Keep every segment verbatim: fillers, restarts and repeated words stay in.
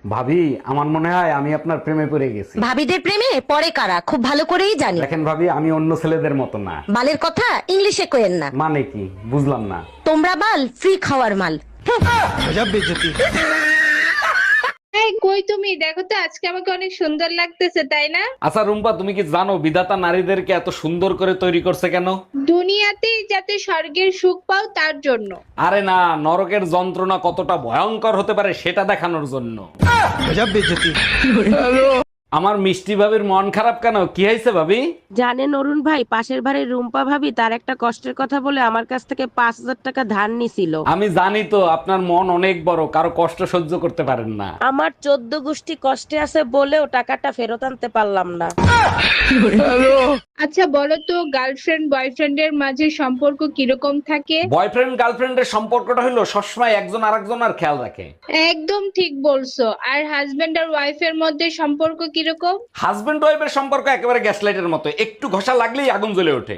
ভাবি, আমার মনে হয় আমি আপনার প্রেমে পড়ে গেছি। ভাবিদের প্রেমে পরে কারা খুব ভালো করেই জানি। দেখেন ভাবি, আমি অন্য ছেলেদের মতো না। বালের কথা ইংলিশে কোয়েন না। মানে কি বুঝলাম না। তোমরা বাল ফ্রি খাওয়ার মাল। এই কই তুমি? দেখো তো আজকে আমাকে অনেক সুন্দর লাগতেছে, তাই না? আচ্ছা রুম্পা, তুমি কি জানো বিধাতা নারীদেরকে এত সুন্দর করে তৈরি করছে কেন? দুনিয়াতেই যাতে স্বর্গের সুখ পাও তার জন্য। আরে না, নরকের যন্ত্রণা কতটা ভয়ঙ্কর হতে পারে সেটা দেখানোর জন্য। আমার মিষ্টি ভাবির মন খারাপ কেন? কি হয়েছে ভাবি? জানেন অরুণ ভাই, পাশের বাড়ির রুম্পা ভাবি তার একটা কষ্টের কথা বলে আমার কাছ থেকে পাঁচ হাজার টাকা ধার নিছিল। আমি জানি তো আপনার মন অনেক বড়, কারো কষ্ট সহ্য করতে পারেন না। আমার চোদ্দ গোষ্ঠী কষ্টে আছে বলেও টাকাটা ফেরত আনতে পারলাম না। আচ্ছা বলো তো, গার্লফ্রেন্ড বয়ফ্রেন্ডের মাঝে সম্পর্ক কিরকম থাকে? বয়ফ্রেন্ড গার্লফ্রেন্ডের সম্পর্কটা হলো সবসময় একজন আরেকজনের খেয়াল রাখে। একদম ঠিক বলছো। আর হাজবেন্ড আর ওয়াইফের মধ্যে সম্পর্ক কিরকম? হাজবেন্ড ওয়াইফের সম্পর্ক একেবারে গ্যাস লাইটের মতো, একটু ঘষা লাগলেই আগুন জ্বলে ওঠে।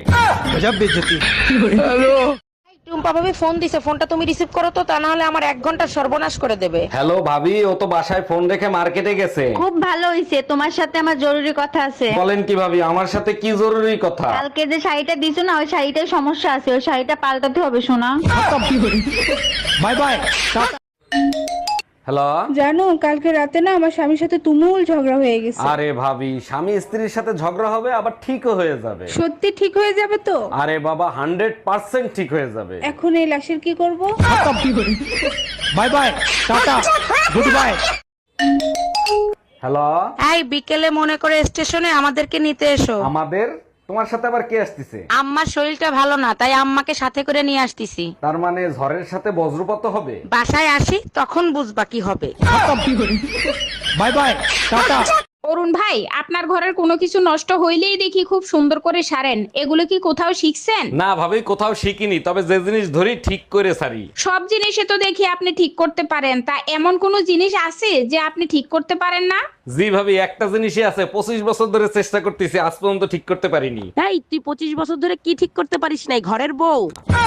টুম্পা ভাবি ফোন দিছে, ফোনটা তুমি রিসিভ করো তো, তা না হলে আমার এক ঘন্টা সর্বনাশ করে দেবে। হ্যালো ভাবি, ও তো বাসায় ফোন রেখে মার্কেটে গেছে। খুব ভালো হইছে, তোমার সাথে আমার জরুরি কথা আছে। বলেন কি ভাবি, আমার সাথে কি জরুরি কথা? কালকে যে শাড়িটা দিছো না, ওই শাড়িটার সমস্যা আছে, ওই শাড়িটা পাল্টাতে হবে শোনা। Bye bye. হ্যালো। জানো কালকে রাতে না আমার স্বামীর সাথে তুমুল ঝগড়া হয়ে গেছে। আরে ভাবি, স্বামী স্ত্রীর সাথে ঝগড়া হবে আবার ঠিকও হয়ে যাবে। সত্যি ঠিক হয়ে যাবে তো? আরে বাবা, হান্ড্রেড পার্সেন্ট ঠিক হয়ে যাবে। এখন এই লাশের কি করব? Bye bye, tata, goodbye. Hello. এই বিকেলে মনে করে স্টেশনে আমাদেরকে নিতে এসো। আমাদের? তোমার সাথে আবার কে আসতেছে? আম্মার শরীরটা ভালো না, তাই আম্মাকে সাথে করে নিয়ে আসতেছি। তার মানে ঝড়ের সাথে বজ্রপাত হবে? বাসায় আসি তখন বুঝবা কি হবে। By bye, tata. অরুণ ভাই, আপনার ঘরের কোনো কিছু নষ্ট হইলেই দেখি খুব সুন্দর করে সারেন, এগুলো কি কোথাও শিখছেন? না ভাবি, কোথাও শিখিনি, তবে যে জিনিস ধরি ঠিক করে সারি। সব জিনিসে তো দেখি আপনি ঠিক করতে পারেন, তা এমন কোন জিনিস আছে যে আপনি ঠিক করতে পারেন না? জি ভাবি, একটা জিনিসই আছে, পঁচিশ বছর ধরে চেষ্টা করতেছি, আজ পর্যন্ত ঠিক করতে পারিনি। এই তুই পঁচিশ বছর ধরে কি ঠিক করতে পারিস নাই? ঘরের বউ।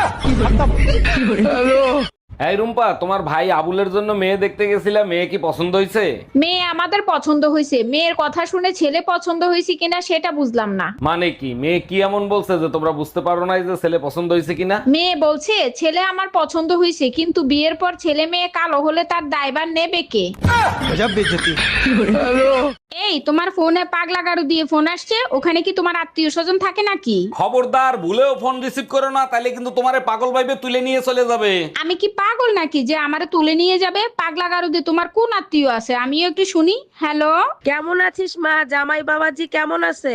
এই রুম্পা, তোমার ভাই আবুলের জন্য মেয়ে দেখতে গেছিলাম, মেয়ে কি পছন্দ হয়েছে? মেয়ে আমাদের পছন্দ হয়েছে, মেয়ের কথা শুনে ছেলে পছন্দ হয়েছে কিনা সেটা বুঝলাম না। মানে কি, মেয়ে কি এমন বলছে যে তোমরা বুঝতে পারো না যে ছেলে পছন্দ হয়েছে কিনা? মেয়ে বলছে ছেলে আমার পছন্দ হয়েছে, কিন্তু বিয়ের পর ছেলে মেয়ে কালো হলে তার দায়ভার নেবে কে? এই তোমার ফোনে পাগলা গাড়ু দিয়ে ফোন আসছে, ওখানে কি তোমার আত্মীয় স্বজন থাকে নাকি? খবরদার, ভুলেও ফোন রিসিভ করো না, তাইলে কিন্তু তোমারে পাগল ভাইবে তুলে নিয়ে চলে যাবে। আমি কি পাগল নাকি যে আমারে তুলে নিয়ে যাবে? পাগলা গারু দিয়ে তোমার কোন আত্মীয় আছে আমিও একটু শুনি। হ্যালো, কেমন আছিস মা? জামাই বাবাজি কেমন আছে?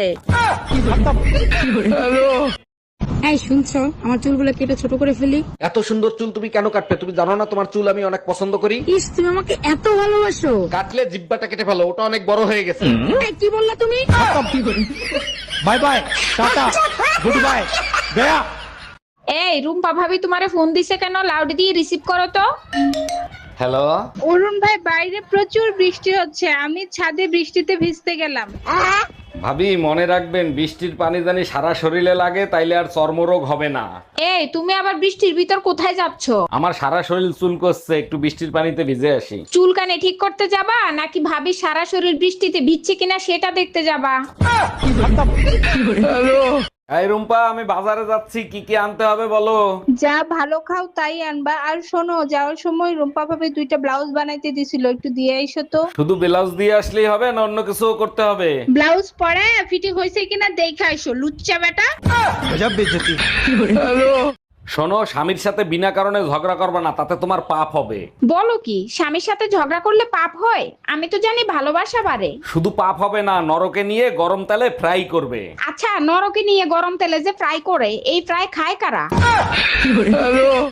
এই শুনছো, আমার চুলগুলো কেটে ছোট করে ফেলি। এত সুন্দর চুল তুমি কেন কাটবে? তুমি জানো না তোমার চুল আমি অনেক পছন্দ করি? ইস, তুমি আমাকে এত ভালোবাসো। কাটলে জিব্বাটা কেটে ফেলো, ওটা অনেক বড় হয়ে গেছে। এই, কি বললা তুমি? Bye bye, tata, goodbye, গয়া। এই রুম্পা ভাবি তোমারে ফোন দিছে কেন? লাউড দিয়ে রিসিভ করো তো। হ্যালো। অরুণ ভাই, বাইরে প্রচুর বৃষ্টি হচ্ছে, আমি ছাদে বৃষ্টিতে ভিজতে গেলাম। ভাবি মনে রাখবেন, বৃষ্টির পানি জানি সারা শরীরে লাগে, তাইলে আর চর্মরোগ হবে না। এই তুমি আবার বৃষ্টির ভিতর কোথায় যাচ্ছ? আমার সারা শরীর চুল করছে, একটু বৃষ্টির পানিতে ভিজে আসি। চুলকানে ঠিক করতে যাবা নাকি ভাবি সারা শরীর বৃষ্টিতে ভিজছে কিনা সেটা দেখতে যাবা? এই রুম্পা, আমি বাজারে যাচ্ছি, কি কি আনতে হবে বলো? যা ভালো খাও তাই আনবা। আর শোনো, যাওয়ার সময় রুম্পা ভাবে দুইটা ব্লাউজ বানাইতে দিছিল, একটু দিয়ে আইসো তো। শুধু ব্লাউজ দিয়ে আসলেই হবে না অন্য কিছু করতে হবে? ব্লাউজ পরে ফিটিং হয়েছে কিনা দেখে আইসো, লুচ্চা বেটা। শোনো, স্বামীর সাথে বিনা কারণে ঝগড়া করবে না, তাতে তোমার পাপ হবে। বলো কি, স্বামীর সাথে ঝগড়া করলে পাপ হয়? আমি তো জানি ভালোবাসা বাড়ে। শুধু পাপ হবে না, নরকে নিয়ে গরম তেলে ফ্রাই করবে। আচ্ছা, নরকে নিয়ে গরম তেলে যে ফ্রাই করে, এই ফ্রাই খায় কারা?